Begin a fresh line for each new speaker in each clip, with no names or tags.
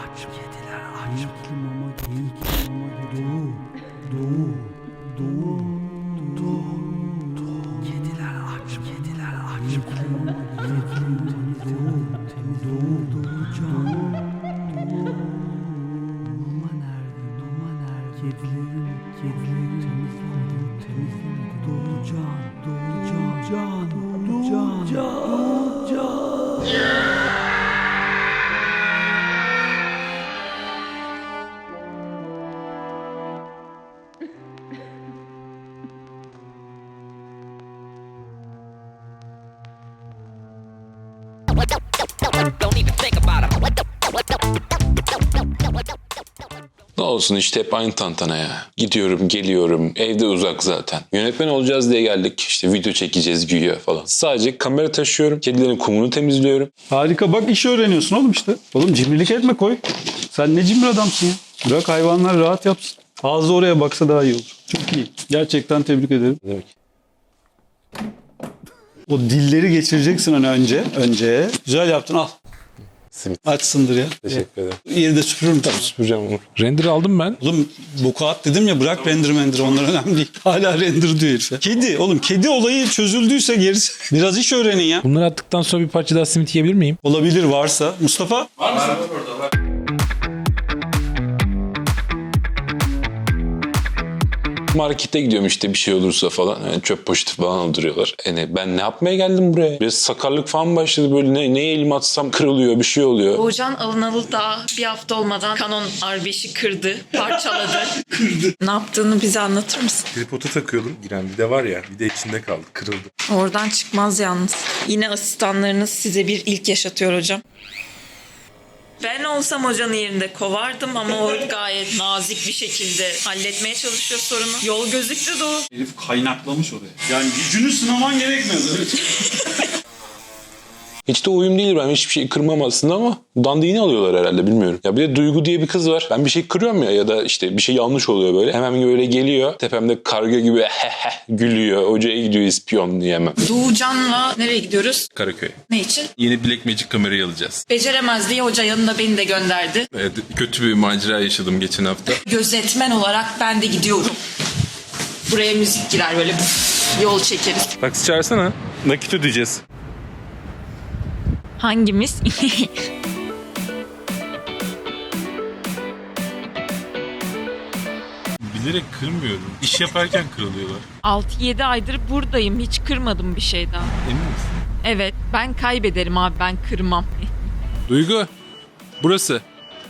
aç, kediler aç. Renkli mama, renkli mama, doğu, doğu, doğu, doğu. Kediler aç, kediler aç. Renkli mama, renkli doğu, Duma nerede, duma nerede? Kedilerin temizlemedi. Doğucan,
Don't even think about it.
Ne olsun işte hep aynı tantana ya. Gidiyorum, geliyorum. Evde uzak zaten. Yönetmen olacağız diye geldik. İşte video çekeceğiz güya falan. Sadece kamera taşıyorum. Kedilerin kumunu temizliyorum.
Harika, bak iş öğreniyorsun oğlum işte. Oğlum cimrilik etme, koy. Sen ne cimri adamsın ya. Bırak hayvanlar rahat yapsın. Ağzı oraya baksa daha iyi olur. Çok iyi. Gerçekten tebrik ederim.
Demek.
O dilleri geçireceksin hani önce. Güzel yaptın, al.
Simit.
Açsındır ya.
Teşekkür ederim.
Yeri de süpürürüm tabii.
Süpüreceğim onu.
Render aldım ben.
Oğlum boku at dedim ya, bırak render onlar önemli değil. Hala render diyor herif ya. Kedi oğlum, kedi olayı çözüldüyse gerisi. Biraz iş öğrenin ya.
Bunları attıktan sonra bir parça daha simit yiyebilir miyim?
Olabilir varsa. Mustafa?
Markete gidiyorum işte bir şey olursa falan. Yani çöp poşeti falan aldırıyorlar. Yani ben ne yapmaya geldim buraya? Biraz sakarlık falan başladı böyle. Neye elimi atsam kırılıyor, bir şey oluyor.
Doğucan alınalı daha bir hafta olmadan Canon R5'i kırdı, parçaladı. Ne yaptığını bize anlatır mısın?
Tripoda takıyordum. Giren bir de var ya, bir de içinde kaldı, kırıldı.
Oradan çıkmaz yalnız. Yine asistanlarınız size bir ilk yaşatıyor hocam. Ben olsam hocanın yerinde kovardım ama o gayet nazik bir şekilde halletmeye çalışıyor sorunu. Yol gözüktü Doğu.
Herif kaynaklamış oraya. Yani gücünü sınaman gerekmez.
Hiç de uyum değil, ben hiçbir şey kırmam aslında ama dandiğini alıyorlar herhalde, bilmiyorum. Ya bir de Duygu diye bir kız var. Ben bir şey kırıyorum ya da işte bir şey yanlış oluyor böyle. Hemen böyle geliyor. Tepemde karga gibi gülüyor. Hocaya gidiyor ispiyon diyemem.
Doğucan'la nereye gidiyoruz?
Karaköy.
Ne için?
Yeni Black Magic kamerayı alacağız.
Beceremez diye hoca yanında beni de gönderdi.
Evet, kötü bir macera yaşadım geçen hafta.
Gözetmen olarak ben de gidiyorum. Buraya müzik girer böyle yol çekeriz.
Taksi çağırsana. Nakit ödeyeceğiz.
Hangimiz?
Bilerek kırmıyorum. İş yaparken kırılıyorlar.
6-7 aydır buradayım. Hiç kırmadım bir şey daha.
Emin misin?
Evet, ben kaybederim abi, ben kırmam.
Duygu. Burası.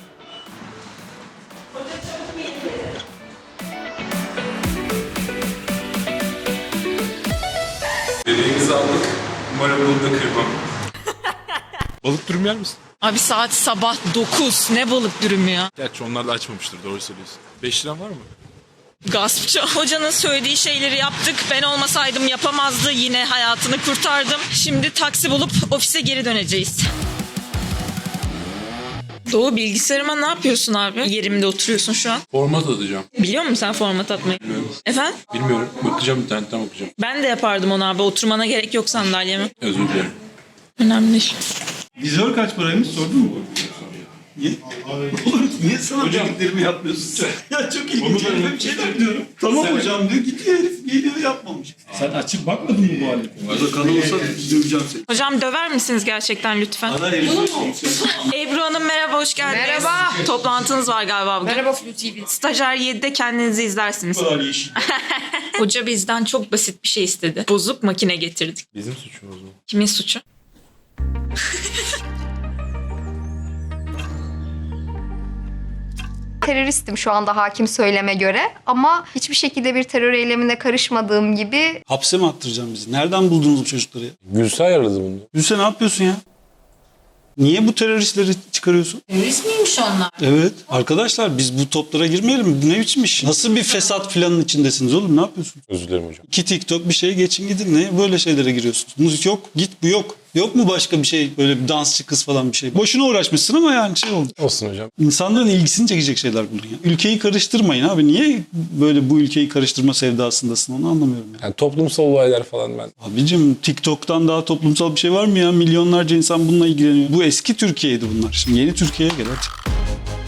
Bebeğimizi aldık. Umarım bunu da kırmam. Balık dürüm yer misin?
Abi saat sabah 9. Ne balık dürümü ya?
Gerçi onlar da açmamıştır, doğru söylüyorsun. 5 liran var mı?
Gaspçı. Hocanın söylediği şeyleri yaptık. Ben olmasaydım yapamazdı. Yine hayatını kurtardım. Şimdi taksi bulup ofise geri döneceğiz. Doğu, bilgisayarıma ne yapıyorsun abi? Yerimde oturuyorsun şu an.
Format atacağım.
Biliyor musun sen format atmayı? Efendim?
Bilmiyorum. Bakacağım, internetten bakacağım.
Ben de yapardım onu abi. Oturmana gerek yok sandalyeme.
Özür dilerim.
Önemli değil.
Vizör kaç paraymış, sordun mu? Niye? Oğlum niye sana dediklerimi yapmıyorsun sen? Ya çok ilginç. Ben bir şeyler diyorum. Tamam hocam diyor, gidiyor herif geliyor yapmamış. Sen açıp bakmadın mı bu alete? Burada kanal olsa döveceğim seni.
Hocam döver misiniz gerçekten lütfen? Ebru Hanım merhaba, hoş geldiniz.
Merhaba.
Toplantınız var galiba bugün.
Merhaba Flu TV.
Stajyer 7'de kendinizi izlersiniz.
Bu kadar yeşil.
Hoca bizden çok basit bir şey istedi. Bozuk makine getirdik.
Bizim suçumuz mu?
Kimin suçu?
Teröristim şu anda hakim söyleme göre ama hiçbir şekilde bir terör eylemine karışmadığım gibi
Hapse mi attıracağım bizi? Nereden buldunuz bu çocukları ya?
Gülse ayarladı bunu.
Gülse ne yapıyorsun ya? Niye bu teröristleri çıkarıyorsun?
Terörist miymiş onlar?
Evet. Arkadaşlar biz bu toplara girmeyelim. Bu ne biçim iş? Nasıl bir fesat planın içindesiniz oğlum? Ne yapıyorsunuz?
Özür dilerim hocam.
İki TikTok bir şey geçin gidin. Ne böyle şeylere giriyorsunuz? Müzik yok. Git bu yok. Yok mu başka bir şey? Böyle bir dansçı kız falan bir şey. Boşuna uğraşmışsın ama yani şey oldu.
Olsun hocam.
İnsanların ilgisini çekecek şeyler buldun ya. Ülkeyi karıştırmayın abi. Niye böyle bu ülkeyi karıştırma sevdasındasın, onu anlamıyorum ya.
Yani toplumsal olaylar falan ben.
Abicim TikTok'tan daha toplumsal bir şey var mı ya? Milyonlarca insan bununla ilgileniyor. Bu eski Türkiye'ydi bunlar. Şimdi yeni Türkiye'ye gel hadi.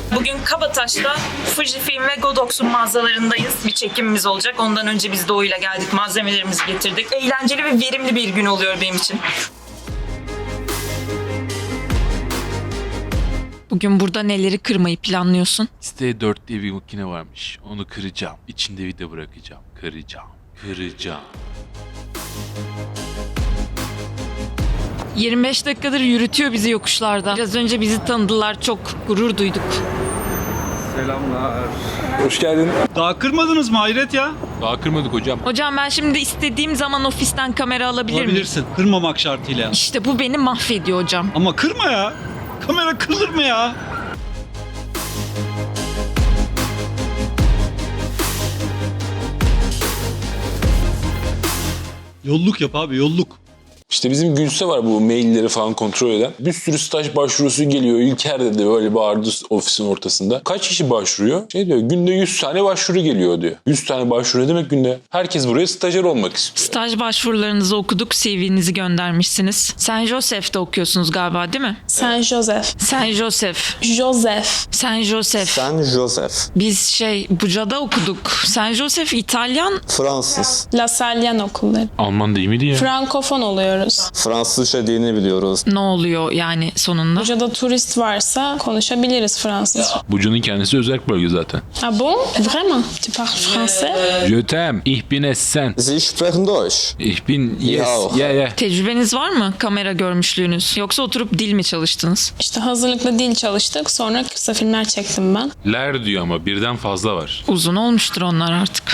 Bugün Kabataş'ta Fujifilm ve Godox'un mağazalarındayız. Bir çekimimiz olacak. Ondan önce biz Doğu'yla geldik. Malzemelerimizi getirdik. Eğlenceli ve verimli bir gün oluyor benim için. Bugün burada neleri kırmayı planlıyorsun?
Siteye 4 diye bir makine varmış. Onu kıracağım. İçinde vida bırakacağım. Kıracağım.
25 dakikadır yürütüyor bizi yokuşlarda. Biraz önce bizi tanıdılar. Çok gurur duyduk.
Hoş geldin.
Daha kırmadınız mı hayret ya?
Daha kırmadık hocam.
Hocam ben şimdi istediğim zaman ofisten kamera alabilir miyim?
Alabilirsin. Kırmamak şartıyla.
İşte bu beni mahvediyor hocam.
Ama kırma ya. Kamera kırılır mı ya? Yolluk yap abi, yolluk.
İşte bizim Gülse var, bu mailleri falan kontrol eden. Bir sürü staj başvurusu geliyor. İlker dedi, böyle bağırdı ofisin ortasında. Kaç kişi başvuruyor? Şey diyor, günde 100 tane başvuru geliyor diyor. 100 tane başvuru ne demek günde? Herkes buraya stajyer olmak istiyor.
Staj başvurularınızı okuduk, CV'nizi göndermişsiniz. Saint Joseph'te okuyorsunuz galiba değil mi?
Saint Joseph.
Saint Joseph.
Joseph.
Saint Joseph.
Saint Joseph.
Biz Buca'da okuduk. Saint Joseph İtalyan.
Fransız.
La Salle okulları.
Alman değil miydi ya?
Frankofon oluyoruz.
Fransızca dilini biliyoruz.
Ne oluyor yani sonunda?
Buca'da turist varsa konuşabiliriz Fransızca.
Buca'nın kendisi özel bölge zaten.
Ah bon? Vraiment? Tu parles français?
Je t'aime. Ich bin es sen.
Sie sprechen Deutsch.
Ich bin yes.
Ya.
Yeah.
Tecrübeniz var mı? Kamera görmüşlüğünüz. Yoksa oturup dil mi çalıştınız?
İşte hazırlıklı dil çalıştık. Sonra kısa filmler çektim ben.
Ler diyor ama birden fazla var.
Uzun olmuştur onlar artık.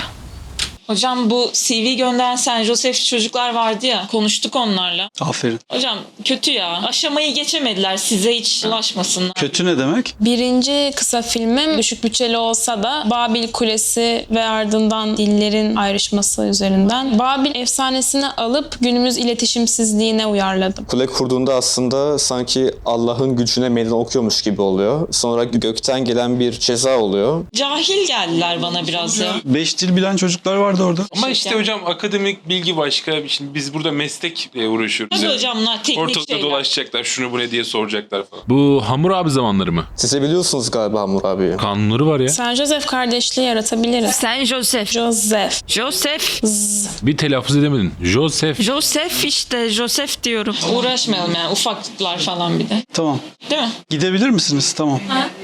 Hocam bu CV gönderen Saint Joseph çocuklar vardı ya. Konuştuk onlarla.
Aferin.
Hocam kötü ya. Aşamayı geçemediler. Size hiç ulaşmasınlar.
Kötü ne demek?
Birinci kısa filmim düşük bütçeli olsa da Babil Kulesi ve ardından dillerin ayrışması üzerinden Babil efsanesini alıp günümüz iletişimsizliğine uyarladım.
Kule kurduğunda aslında sanki Allah'ın gücüne meydan okuyormuş gibi oluyor. Sonra gökten gelen bir ceza oluyor.
Cahil geldiler bana biraz ya.
5 dil bilen çocuklar vardı orada.
Ama işte hocam akademik bilgi başka. Şimdi biz burada meslekle uğraşıyoruz.
Hadi hocamlar teknik
Ortalıkta
şeyler.
dolaşacaklar, şunu bu ne diye soracaklar falan.
Bu Hammurabi zamanları mı?
Siz de biliyorsunuz galiba Hammurabi'yi.
Kanunları var ya.
Saint Joseph kardeşliği yaratabiliriz.
Saint Joseph.
Joseph.
Joseph.
Bir telaffuz edemedin. Joseph.
Joseph işte. Joseph diyorum. Uğraşmayalım yani. Ufaklıklar falan bir de.
Tamam.
Değil mi?
Gidebilir misiniz? Tamam.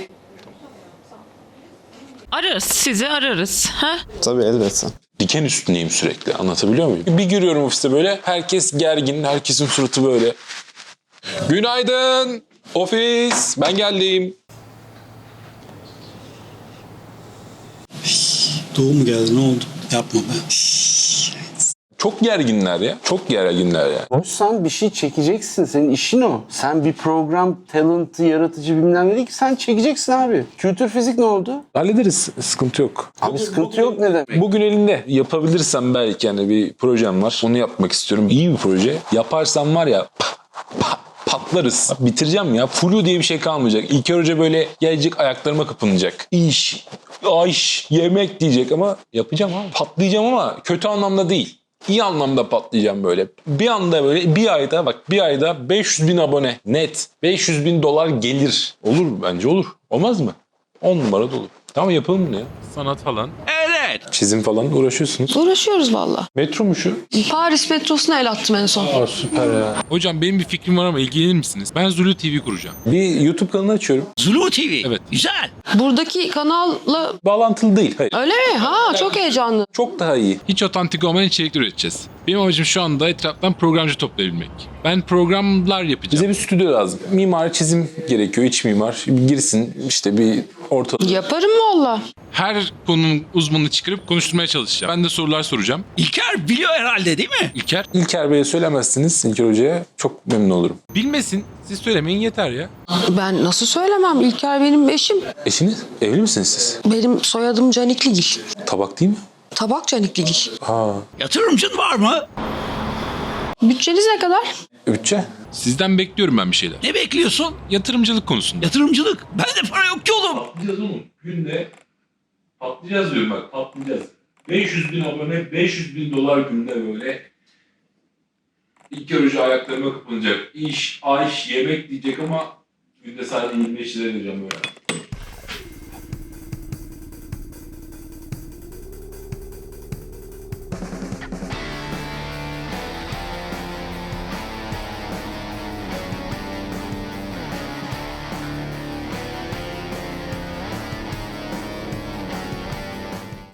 Ararız. Sizi ararız. Ha?
Tabii elbette.
Diken üstündeyim sürekli, anlatabiliyor muyum? Bir giriyorum ofiste böyle, herkes gergin, herkesin suratı böyle. Günaydın ofis, ben geldim.
Doğu mu geldi? Ne oldu? Yapma be.
Çok gerginler ya, çok gerginler ya.
Hoş, sen bir şey çekeceksin. Senin işin o. Sen bir program, talent, yaratıcı bilmem ne değil ki. Sen çekeceksin abi. Kültür fizik ne oldu?
Hallederiz, sıkıntı yok.
Abi sıkıntı yok ne demek?
Bugün elinde yapabilirsem belki, yani bir projem var. Onu yapmak istiyorum. İyi bir proje. Yaparsam var ya patlarız. Bitireceğim ya. Flu diye bir şey kalmayacak. İlker Hoca böyle gelecek, ayaklarıma kapanacak. İş, ayş, yemek diyecek ama yapacağım abi. Patlayacağım ama kötü anlamda değil. İyi anlamda patlayacağım böyle. Bir anda böyle bir ayda 500 bin abone net. 500 bin dolar gelir. Olur bence olur. Olmaz mı? 10 numara da olur. Tamam, yapalım bunu ya.
Sanat falan.
Çizim falan uğraşıyorsunuz.
Uğraşıyoruz valla.
Metro mu şu?
Paris metrosuna el attım en son.
Aa, süper ya.
Hocam benim bir fikrim var ama ilgilenir misiniz? Ben Zulu TV kuracağım.
Bir YouTube kanalı açıyorum.
Zulu TV.
Evet.
Güzel.
Buradaki kanalla
Bağlantılı değil. Hayır.
öyle mi? Ha çok heyecanlı.
Çok daha iyi.
Hiç otantik olmayan içerikler üreteceğiz. Benim amacım şu anda etraftan programcı toplayabilmek. Ben programlar yapacağım.
Bize bir stüdyo lazım. Mimar, çizim gerekiyor. İç mimar. Bir girsin işte, bir ortalık.
Yaparım valla.
Her konunun uzmanını çıkarıp konuşturmaya çalışacağım. Ben de sorular soracağım.
İlker biliyor herhalde değil mi?
İlker
İlker Bey'e söylemezsiniz, İlker Hoca'ya çok memnun olurum.
bilmesin. Siz söylemeyin yeter ya.
Ben nasıl söylemem? İlker benim eşim.
Eşiniz? Evli misiniz siz?
Benim soyadım Canikligil.
Tabak değil mi?
Tabak Canikligil.
Ha.
Yatırımcın var mı?
Bütçeniz ne kadar?
Bütçe?
Sizden bekliyorum ben bir şeyler.
Ne bekliyorsun?
Yatırımcılık konusunda.
Yatırımcılık. Bende para yok ki oğlum.
Patlayacağız oğlum. Günde patlayacağız diyorum bak, patlayacağız. 500 bin abone, 500 bin dolar günde böyle. İlker Hoca ayaklarıma kapanacak. İş, ayş, yemek diyecek ama günde sadece 25 lira vereceğim böyle.